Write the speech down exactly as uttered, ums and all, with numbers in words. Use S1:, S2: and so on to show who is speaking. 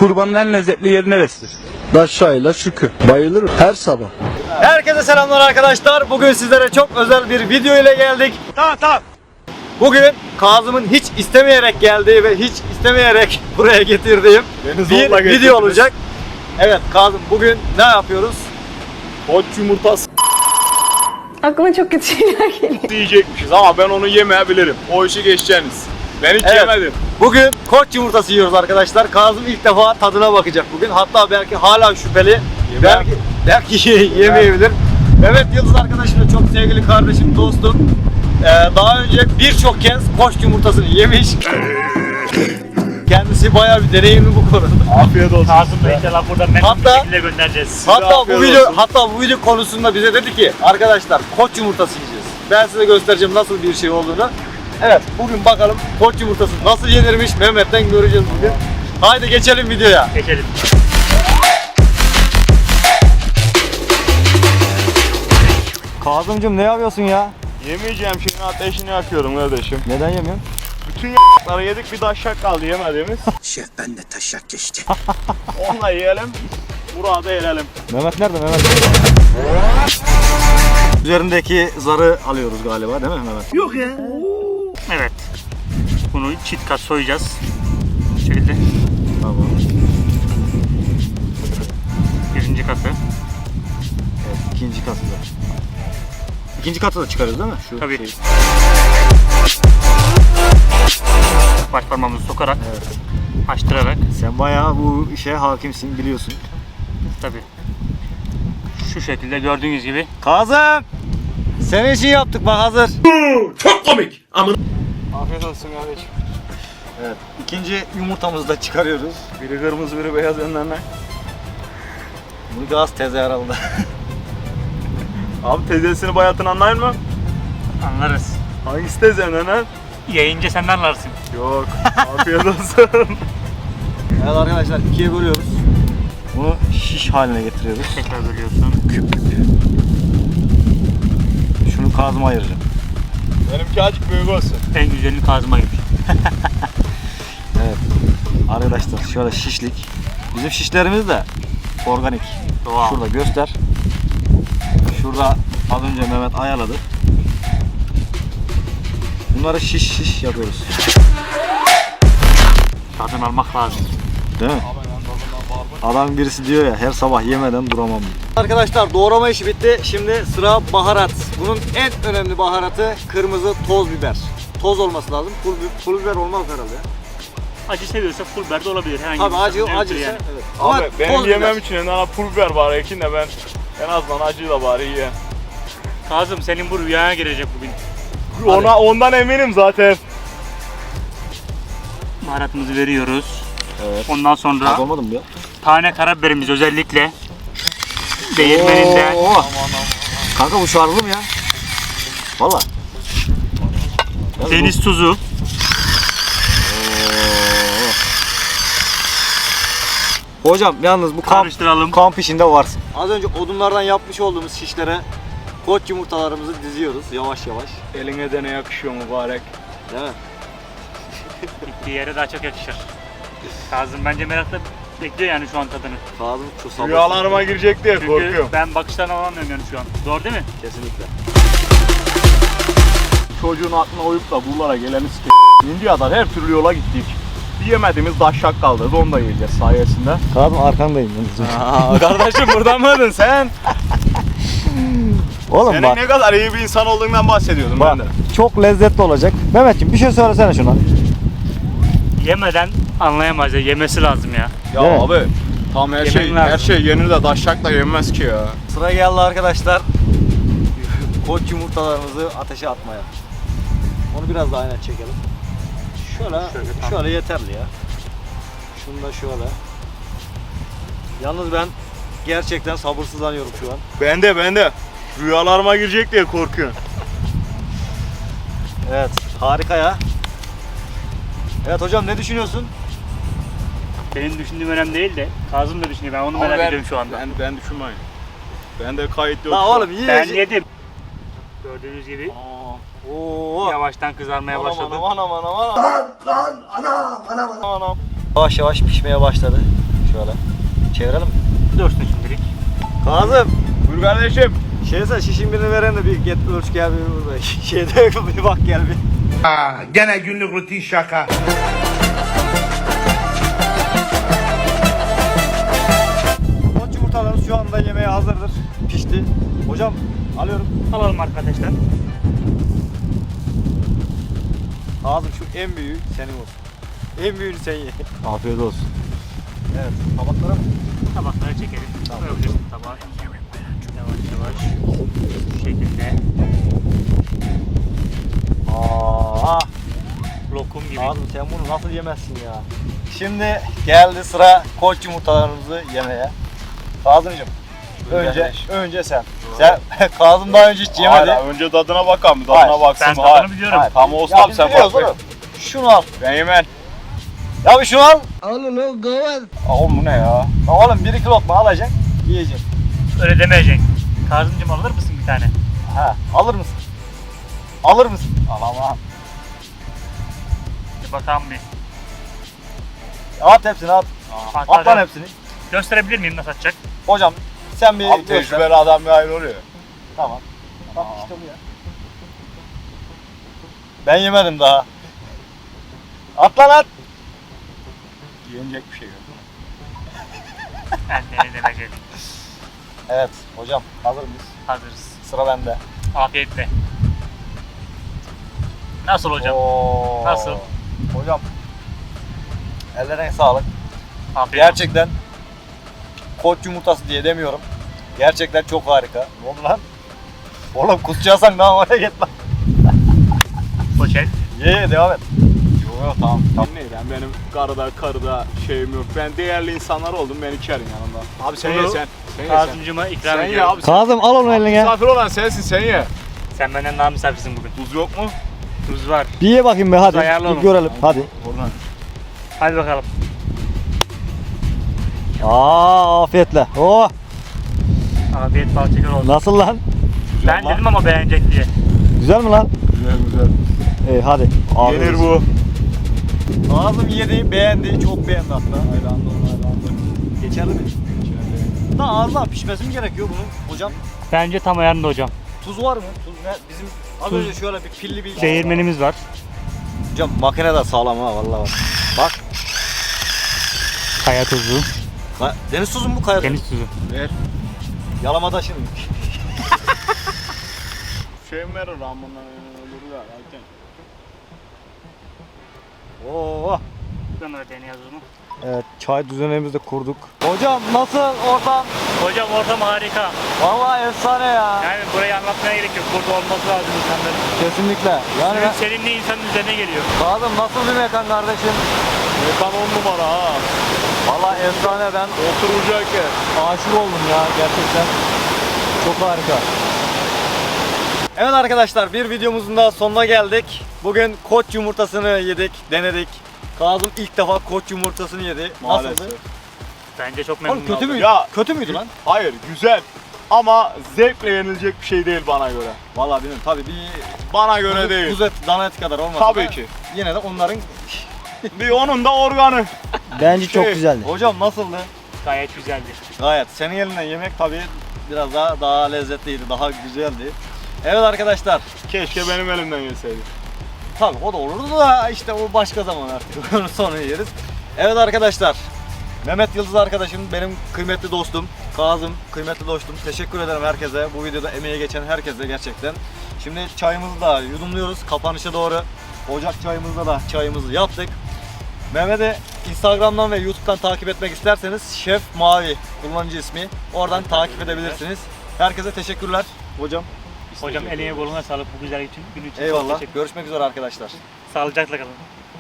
S1: Kurbanın en lezzetli yeri neresidir?
S2: Daşşayla şükür. Bayılırım her sabah.
S3: Herkese selamlar arkadaşlar. Bugün sizlere çok özel bir video ile geldik.
S1: Tamam tamam.
S3: Bugün Kazım'ın hiç istemeyerek geldiği ve hiç istemeyerek buraya getirdiğim
S2: Beni
S3: bir
S2: zorla
S3: video
S2: getirdiniz.
S3: olacak. Evet Kazım, bugün ne yapıyoruz?
S2: Koç yumurtası
S4: Aklıma çok kötü şeyler geliyor.
S2: yiyecekmişiz ama ben onu yemeyebilirim. O işi geçeceğiniz. Ben hiç
S3: Evet.
S2: yemedim.
S3: Bugün koç yumurtası yiyoruz arkadaşlar. Kazım ilk defa tadına bakacak bugün. Hatta belki hala şüpheli. Belki, belki yemeyebilir. Evet Yıldız arkadaşım da çok sevgili kardeşim, dostum. Ee, daha önce birçok kez koç yumurtasını yemiş. Kendisi bayağı bir deneyimli bu konuda.
S2: Afiyet olsun.
S5: Kazım Bey inşallah buradan memnun
S3: Hatta-
S5: bir şekilde göndereceğiz.
S3: Hatta bu
S2: afiyet
S3: video
S2: olsun.
S3: hatta bu video konusunda bize dedi ki arkadaşlar koç yumurtası yiyeceğiz. Ben size göstereceğim nasıl bir şey olduğunu. Evet, bugün bakalım koç yumurtası nasıl yenirmiş, Mehmet'ten göreceğiz bugün. Haydi geçelim videoya.
S5: Geçelim.
S3: Kazımcığım ne yapıyorsun ya?
S2: Yemeyeceğim şeyin ateşini yakıyorum kardeşim.
S3: Neden yemiyorsun?
S2: Bütün y***ları yedik, bir daşşak kaldı yemediğimiz.
S6: Şef ben de taşak geçti.
S2: Onunla yiyelim. Burada yiyelim.
S3: Mehmet nerede Mehmet? Üzerindeki zarı alıyoruz galiba değil mi Mehmet?
S5: Evet. Bunu çift kat soyacağız. Bu şekilde.
S3: Tamam.
S5: Birinci katı.
S3: Evet, ikinci katı da. İkinci katı da çıkarız değil mi? Şu
S5: Tabii.
S3: şeyi.
S5: Baş parmağımızı sokarak,
S3: Evet.
S5: açtırarak.
S3: Sen bayağı bu işe hakimsin, biliyorsun.
S5: Tabii. Şu şekilde gördüğünüz gibi.
S3: Kazım! Senin için yaptık bak, hazır.
S2: Afiyet olsun kardeşim.
S3: Evet. İkinci yumurtamızı da çıkarıyoruz.
S2: Biri kırmızı, biri beyaz önlerine.
S3: Bu gaz teze herhalde.
S2: Abi teyzesini bayatın anlayın mı?
S5: Anlarız.
S2: Hangisi teyze önlerine?
S5: Yayınca sen de anlarsın.
S2: Yok. Afiyet olsun.
S3: Evet arkadaşlar, ikiye bölüyoruz. Bunu şiş haline getiriyoruz.
S5: Tekrar bölüyorsun.
S3: Şunu Kazım'a ayıracağım.
S2: Benimki azıcık büyük olsun.
S5: En güzelini Kazım'a gibi.
S3: Evet. Arkadaşlar şöyle şişlik. Bizim şişlerimiz de organik.
S5: Doğal.
S3: Şurada göster. Şurada az önce Mehmet ayarladı. Bunları şiş şiş yapıyoruz.
S5: Tadını almak lazım.
S3: Değil mi? Adam birisi diyor ya, her sabah yemeden duramam diyor. Arkadaşlar doğrama işi bitti. Şimdi sıra baharat. Bunun en önemli baharatı kırmızı toz biber. Toz olması lazım. Pul, bi- pul biber olmaz herhalde.
S5: Acı seviyorsa pul biber de olabilir. Herhangi
S3: Tabii
S5: bir
S3: acı
S5: sakınca
S3: acı
S5: yoktur
S3: yani. Evet.
S2: Abi benim
S3: toz
S2: yemem
S3: biber.
S2: için en pul biber var Ekin de ben en azından acıyla bari ye.
S5: Kazım senin bu rüyana girecek bugün.
S2: Ona ondan eminim zaten.
S5: Baharatımızı veriyoruz.
S3: Evet.
S5: Ondan sonra
S3: Olmadı mı ya?
S5: tane karabiberimiz özellikle değirmeninden.
S3: Oo. Kanka bu şarjlı mı ya? Valla.
S5: Deniz tuzu.
S3: Hocam yalnız bu kamp,
S5: Karıştıralım.
S3: kamp işinde varsın. Az önce odunlardan yapmış olduğumuz şişlere koç yumurtalarımızı diziyoruz yavaş yavaş.
S2: Eline de ne yakışıyor mübarek.
S3: Değil mi?
S5: Gittiği yere daha çok yakışır. Kazım bence merakla bekliyor yani şu an tadını.
S3: Kazım çok sabırsız.
S2: Rüyalarıma girecek diye
S5: Çünkü
S2: korkuyorum.
S5: ben bakışlarını alamıyorum yani şu an. Doğru değil mi?
S3: Kesinlikle.
S2: Çocuğun aklına uyup da buralara geleni s***. India'dan her türlü yola gittik. Bir yemediğimiz daşşak kaldı. Onu da yiyeceğiz sayesinde.
S3: Kazım arkandayım.
S2: Aa, kardeşim buradan mıydın sen?
S3: Oğlum
S2: Senin
S3: bak,
S2: ne kadar iyi bir insan olduğundan bahsediyordum
S3: bak
S2: ben de.
S3: çok lezzetli olacak. Mehmetciğim bir şey söylesene şuna.
S5: Yemeden anlayamaz ya. Yemesi lazım ya.
S2: Ya
S3: Değil mi?
S2: abi tam her
S5: Yemen
S2: şey
S5: lazım.
S2: her şey yenir de daşşakla yenmez ki ya.
S3: Sıra geldi arkadaşlar. Koç yumurtalarımızı ateşe atmaya. Onu biraz daha aynen çekelim. Şöyle,
S5: Şöyle,
S3: şöyle,
S5: tamam.
S3: yeterli ya. Şunu da şöyle. Yalnız ben gerçekten sabırsızlanıyorum şu an.
S2: Ben de ben de. Rüyalarıma girecek diye korkuyorum.
S3: Evet, harika ya. Evet hocam, ne düşünüyorsun?
S5: Benim düşündüğüm önemli değil de Kazım da düşünüyor. Ben onu
S2: Ama
S5: merak
S2: ben,
S5: ediyorum şu anda.
S2: Ben, ben düşünmeyin. Ben de kayıt yok.
S3: La
S2: şu an.
S3: oğlum
S5: Ben
S3: yiyecek.
S5: yedim. Gördüğünüz gibi
S3: Oo.
S5: yavaştan kızarmaya başladı.
S2: Anam anam anam anam. Lan lan anam anam anam.
S3: Yavaş yavaş pişmeye başladı. Şöyle çevirelim mi?
S5: Dursun şimdilik.
S3: Kazım,
S2: Buyur kardeşim.
S3: şeyse şişin birini veren de bir get ölç gel bir burada. Şeyde bir bak gel bir.
S6: Aa, gene günlük rutin şaka.
S3: Koç yumurtalarımız şu anda yemeğe hazırdır. Pişti. Hocam alıyorum.
S5: Alalım arkadaşlar.
S3: Kazım şu en büyüğü senin olsun. En büyüğünü sen ye.
S1: Afiyet olsun.
S3: Evet, tabaklara mı?
S5: Tabakları çekelim. Koyabilirsin tabağa. Yavaş yavaş. Şu şekilde.
S3: Aa,
S5: Lokum gibi.
S3: Kazım sen bunu nasıl yemezsin ya? Şimdi geldi sıra koç yumurtalarımızı yemeye. Kazımcığım, önce önce sen. Sen Kazım daha önce hiç yemedi.
S2: Hayır, önce tadına bakalım.
S3: Hayır,
S2: Tadına baksın.
S5: ben
S2: Hayır.
S5: tadını biliyorum.
S3: Hayır.
S2: Tamam
S3: Ya
S2: ustam
S3: biz
S2: sen
S3: biliyoruz
S2: bak.
S3: oğlum. Şunu al.
S2: Ben yemem.
S3: Ya bir şunu al.
S2: Aa, oğlum bu ne ya?
S3: Ya oğlum bir iki lokma alacaksın, yiyeceksin.
S5: Öyle demeyeceksin. Kazımcığım alır mısın bir tane?
S3: Ha, alır mısın? Alır mısın? Alamam.
S5: Bir bakalım bir.
S3: At hepsini at.
S5: At,
S3: At lan
S5: at.
S3: hepsini.
S5: Gösterebilir miyim nasıl atacak?
S3: Hocam sen bir
S2: Abi
S3: göster.
S2: tecrübeli adam bir ayrı oluyor.
S3: Tamam. Bak işte bu ya. Ben yemedim daha. At lan at.
S2: Yenecek bir şey yok.
S5: Ben de demek geldim.
S3: Evet hocam hazır mıyız?
S5: Hazırız.
S3: Sıra bende.
S5: Afiyetle. Nasıl hocam?
S3: Oo.
S5: Nasıl?
S3: Hocam. Ellerine sağlık.
S5: Afiyet olsun.
S3: Gerçekten koç yumurtası diye demiyorum. Gerçekten çok harika. Ne oldu lan? Oğlum kusacaksan daha oraya git lan.
S5: Poşet.
S3: Ye ye devam et.
S2: Yok yok tamam. Tamam ne yani benim karıda karıda şeyim yok. Ben değerli insanlar oldum ben içerim yanında. Abi sen
S5: Bunu
S2: ye sen. Sen ye sen.
S5: Kazımcığıma ikram
S2: Sen ye
S5: ediyorum.
S2: abi. Sen,
S3: Kazım al onu eline.
S2: misafir olan sensin sen ye.
S5: Sen benden daha misafirsin bugün.
S2: Tuz yok mu?
S5: Tuz var.
S3: Bir ye bakayım be hadi.
S5: ayarla
S3: Bir
S5: onu.
S3: görelim hadi.
S2: Oradan.
S5: Hadi bakalım.
S3: Aa afiyetle. Oh
S5: Afiyet bal şeker olsun.
S3: nasıl lan?
S5: Ben dedim ama beğenecek diye.
S3: Güzel mi lan?
S2: Güzel güzel.
S3: İyi hadi. Afiyet
S2: Yenir
S3: olsun.
S2: bu.
S3: Kazım yedi, beğendi, çok beğendi hatta.
S2: Hayranlı ol hayranlı.
S3: Geçerli mi? Daha az daha pişmesi mi gerekiyor bunun hocam?
S5: Bence tam ayarında hocam.
S3: Tuz var mı? Tuz ne? Bizim az
S5: Tuz-
S3: önce şöyle bir pilli bir...
S5: Değirmenimiz var.
S3: Hocam makine de sağlam ha vallahi bak. Bak.
S5: Kaya tuzu.
S3: Ka- Deniz tuzu mu bu kaya tuzu?
S5: Deniz tuzu.
S2: Ver.
S3: Yalamada şimdi.
S2: Şey mi verir lan bundan olur ya. Erken.
S3: Oo.
S5: Ben öyle deniyoruz mu?
S3: Evet çay düzenimizi de kurduk. Hocam nasıl ortam?
S5: Hocam ortam harika.
S3: Vallahi efsane ya.
S5: Yani burayı anlatmaya gerek yok. Burada olması lazım insanların.
S3: Kesinlikle. Yani
S5: Suyun serinliği insanın üzerine geliyor.
S3: Kazım nasıl bir mekan kardeşim?
S2: Mekan on numara ha.
S3: Vallahi efsane ben
S2: Oturacak yer.
S3: aşık oldum ya gerçekten. Çok harika. Evet arkadaşlar bir videomuzun daha sonuna geldik. Bugün koç yumurtasını yedik, denedik. Kazım ilk defa koç yumurtasını yedi.
S2: Maalesef.
S3: Nasıldı?
S5: Bence çok
S3: Oğlum
S5: memnun
S3: kötü
S5: oldum.
S3: müydü?
S2: Ya-
S3: Kötü müydü lan?
S2: Hayır güzel. Ama zevkle yenilecek bir şey değil bana göre.
S3: Vallahi bilmiyorum tabii bir
S2: Bana göre
S3: kuzu,
S2: değil.
S3: kuzu et, dana eti kadar olmasa
S2: Tabii
S3: da
S2: ki.
S3: yine de onların
S2: Bir onun da organı.
S3: bence
S2: çok
S3: güzeldi. Hocam nasıldı?
S5: Gayet güzeldi.
S3: Gayet. Senin elinden yemek tabii biraz daha daha lezzetliydi, daha güzeldi. Evet arkadaşlar.
S2: Keşke benim elimden yeseydi.
S3: Tabii o da olurdu da işte o başka zaman artık. Onu sonra yeriz. Evet arkadaşlar. Mehmet Yıldız arkadaşım, benim kıymetli dostum. Kazım, kıymetli dostum. Teşekkür ederim herkese. Bu videoda emeği geçen herkese gerçekten. Şimdi çayımızı da yudumluyoruz. Kapanışa doğru. Ocak çayımızda da çayımızı yaptık. Mehmet'i Instagram'dan ve YouTube'dan takip etmek isterseniz Şef Mavi kullanıcı ismi. Oradan takip edebilirsiniz. Herkese teşekkürler. Hocam.
S5: Hocam eline koluna sağlık bu güzel için, gün için. Çok
S3: Eyvallah.
S5: teşekkür-
S3: Görüşmek üzere arkadaşlar.
S5: Sağlıcakla kalın.